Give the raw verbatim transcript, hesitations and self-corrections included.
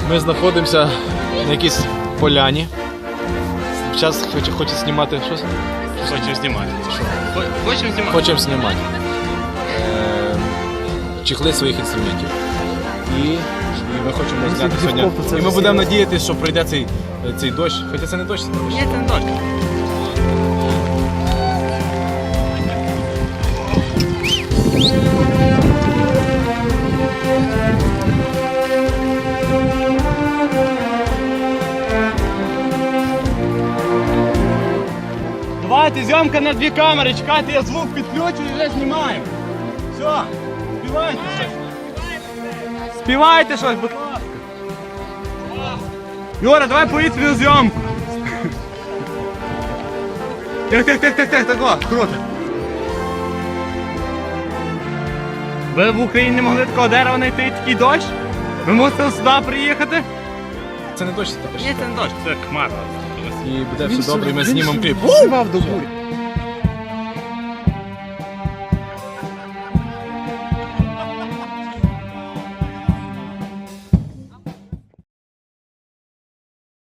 Ми знаходимося на якійсь поляні. Зараз хоче, хоче знімати щось? Хочемо знімати. Що? Хочемо знімати. Хочемо знімати. Е, чехли своїх інструментів. І, і ми хочемо зняти сьогодні. І ми будемо надіятися, що пройде цей, цей дощ. Хоча це не дощ, це дощ. Ні, це не дощ. Давайте, зйомка на дві камери, чекайте, я звук підключу і вже знімаю. Все, співайте щось. Співайте щось, будь ласка. Юра, давай повітряну зйомку. Тих, тих, тих, тих, тих, так, о, круто. Ви в Україні не могли такого дерева знайти і такий дощ? Ви мусили сюди приїхати? Це не дощ, це дощ. Ні, це не дощ, це хмара. І буде все добре, і ми знімемо кліп. Співав до бурі.